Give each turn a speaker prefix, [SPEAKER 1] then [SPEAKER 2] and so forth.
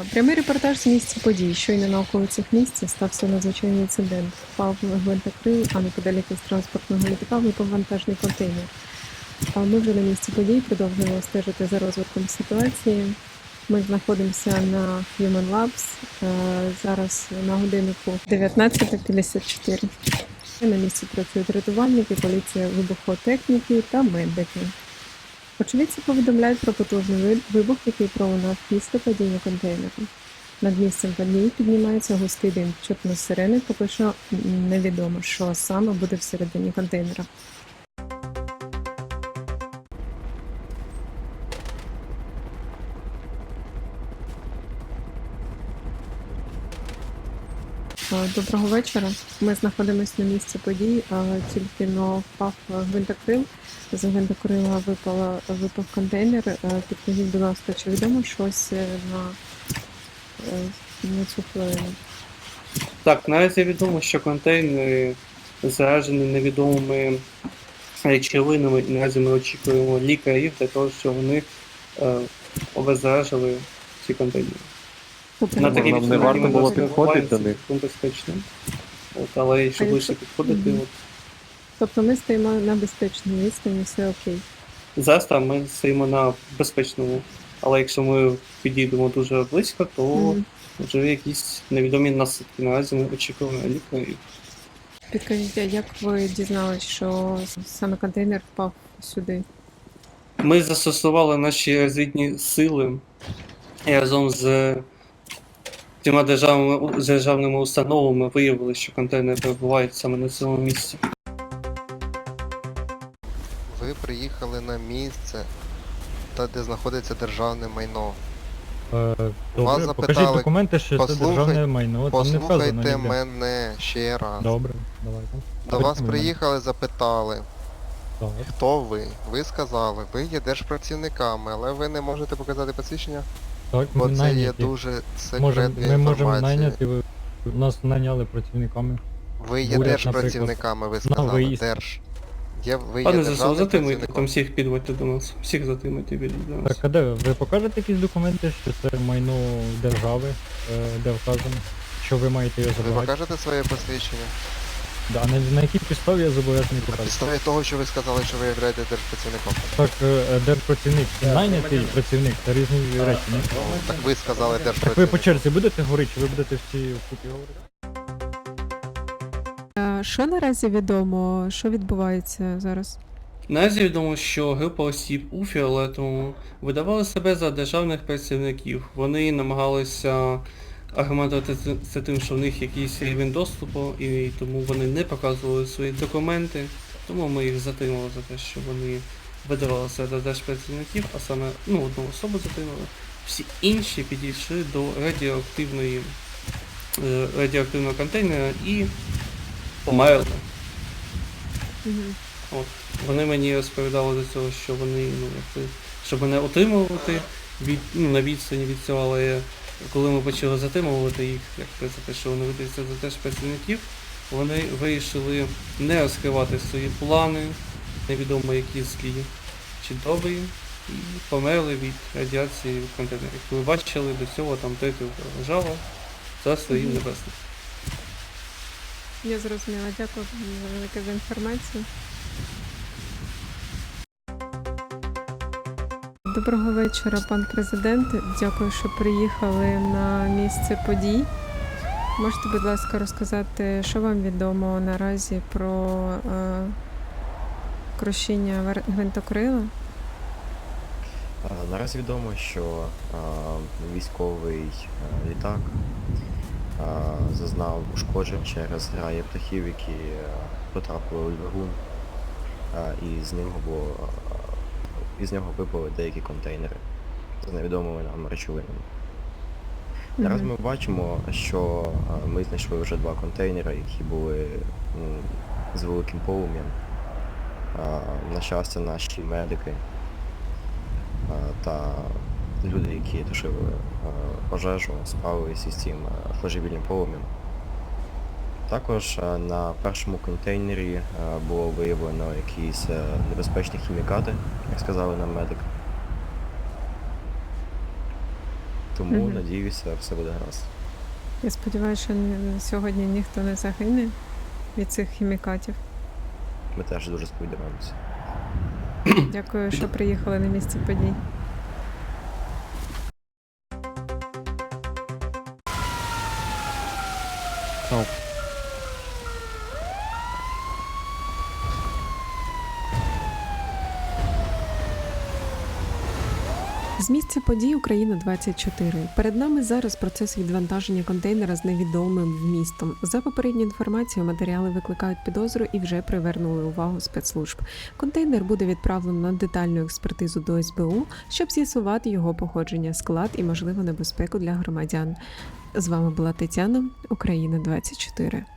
[SPEAKER 1] Прямий репортаж з місця подій. Щойно на околицях місця стався надзвичайний інцидент. Впав гвинтокрил, а неподалік із транспортного літака випав вантажний контейнер. Ми вже на місці подій продовжуємо стежити за розвитком ситуації. Ми знаходимося на Human Labs. Зараз на годиннику 19:54. На місці працюють рятувальники, поліція, вибухотехніки та медики. Очевидці повідомляють про потужний вибух, який пролунав після падіння контейнеру. Над місцем події піднімається густий дим. Чутно сирени, поки що невідомо, що саме буде всередині контейнера. Доброго вечора. Ми знаходимося на місці подій, тільки но впав гвинтокрил. З гвинтокрила випав контейнер. Підкажіть, будь ласка, чи відомо щось на цю хвилину?
[SPEAKER 2] Так, наразі відомо, що контейнери заражені невідомими речовинами, і наразі ми очікуємо лікарів для того, щоб вони обеззаражили ці контейнери. На такій
[SPEAKER 3] Нам не варто було підходити до них.
[SPEAKER 2] Безпечно. Але якщо ближче підходити,
[SPEAKER 1] Тобто ми стоїмо на безпечній відстані, все окей.
[SPEAKER 2] зараз там ми стоїмо на безпечному, але якщо ми підійдемо дуже близько, то вже якісь невідомі наслідки. Наразі ми очікуємо лікарів.
[SPEAKER 1] Підкажіть, а як ви дізналися, що саме контейнер впав сюди?
[SPEAKER 2] Ми застосували наші розвідні сили і разом з цими державними установами виявили, що контейнери перебувають саме на цьому місці.
[SPEAKER 4] Ви приїхали на місце, де знаходиться державне майно. Вас
[SPEAKER 5] Добре, покажіть
[SPEAKER 4] запитали,
[SPEAKER 5] документи, що це державне майно, там не вказано
[SPEAKER 4] Послухайте
[SPEAKER 5] ніде.
[SPEAKER 4] мене ще раз.
[SPEAKER 5] Добре, давайте.
[SPEAKER 4] До вас
[SPEAKER 5] Мене.
[SPEAKER 4] приїхали, запитали,
[SPEAKER 5] Так.
[SPEAKER 4] хто ви. Ви сказали, ви є держпрацівниками, але ви не можете показати посвідчення,
[SPEAKER 5] Так,
[SPEAKER 4] бо
[SPEAKER 5] ми
[SPEAKER 4] це є
[SPEAKER 5] найняті.
[SPEAKER 4] дуже секретна
[SPEAKER 5] Ми можемо
[SPEAKER 4] інформація.
[SPEAKER 5] найняти, нас найняли працівниками.
[SPEAKER 4] Ви є
[SPEAKER 5] Уряд,
[SPEAKER 4] держпрацівниками, ви
[SPEAKER 5] На
[SPEAKER 4] сказали.
[SPEAKER 5] виїзд.
[SPEAKER 4] Ви є
[SPEAKER 2] Пане ЗСУ,
[SPEAKER 4] державним
[SPEAKER 2] затримуйте, там
[SPEAKER 4] працівником.
[SPEAKER 2] всіх підводьте до нас. Всіх затримуйте, ведіть до нас.
[SPEAKER 5] Так, а де ви покажете якісь документи, що це майно держави, де вказано, що ви маєте його
[SPEAKER 4] Ви
[SPEAKER 5] забирати?
[SPEAKER 4] покажете своє посвідчення?
[SPEAKER 5] Да, на якій підставі я зобов'язаний
[SPEAKER 4] На
[SPEAKER 5] показати?
[SPEAKER 4] підставі того, що ви сказали, що ви являєтесь держпрацівником.
[SPEAKER 5] Так, держпрацівник і найнятий працівник це різні речі, ні?
[SPEAKER 4] Так ви сказали
[SPEAKER 5] Так ви
[SPEAKER 4] держпрацівник.
[SPEAKER 5] по черзі будете говорити, чи ви будете всі вкупі говорити?
[SPEAKER 1] Що наразі відомо? Що відбувається зараз?
[SPEAKER 2] Наразі відомо, що група осіб у фіолетовому видавали себе за державних працівників. Вони намагалися аргументувати це тим, що в них якийсь рівень доступу, і тому вони не показували свої документи. Тому ми їх затримали за те, що вони видавали себе за держпрацівників, а саме одну особу затримали. Всі інші підійшли до радіоактивного контейнера і померли. От. Вони мені розповідали до цього, що вони, щоб мене утримувати на відстані від цього, але коли ми почали затримувати їх, за те, що вони видаються за теж працівників, вони вирішили не розкривати свої плани, невідомо які злі чи добрі, і померли від радіації від контейнерів. Як ви бачили, до цього там третя лежала за своїм небесним.
[SPEAKER 1] Я зрозуміла. Дякую велике за інформацію. Доброго вечора, пан президент. Дякую, що приїхали на місце подій. Можете, будь ласка, розказати, що вам відомо наразі про крушіння гвинтокрила?
[SPEAKER 3] Наразі відомо, що військовий літак зазнав ушкоджень через граї птахів, які потрапили у двигун, і з нього випали деякі контейнери з невідомими нам речовинами. Зараз ми бачимо, що ми знайшли вже 2 контейнери, які були з великим полум'ям. На щастя, наші медики та люди, які тушили пожежу, справилися із цим флажевільним полум'ям. Також на першому контейнері було виявлено якісь небезпечні хімікати, як сказали нам медики. Тому,
[SPEAKER 1] Мгм.
[SPEAKER 3] надіюся, все буде гаразд.
[SPEAKER 1] Я сподіваюся, що сьогодні ніхто не загине від цих хімікатів.
[SPEAKER 3] Ми теж дуже сподіваємося.
[SPEAKER 1] Дякую, що приїхали на місце подій. З місця подій Україна 24. Перед нами зараз процес відвантаження контейнера з невідомим вмістом. За попередньою інформацією, матеріали викликають підозру і вже привернули увагу спецслужб. Контейнер буде відправлено на детальну експертизу до СБУ, щоб з'ясувати його походження, склад і можливу небезпеку для громадян. З вами була Тетяна, Україна 24.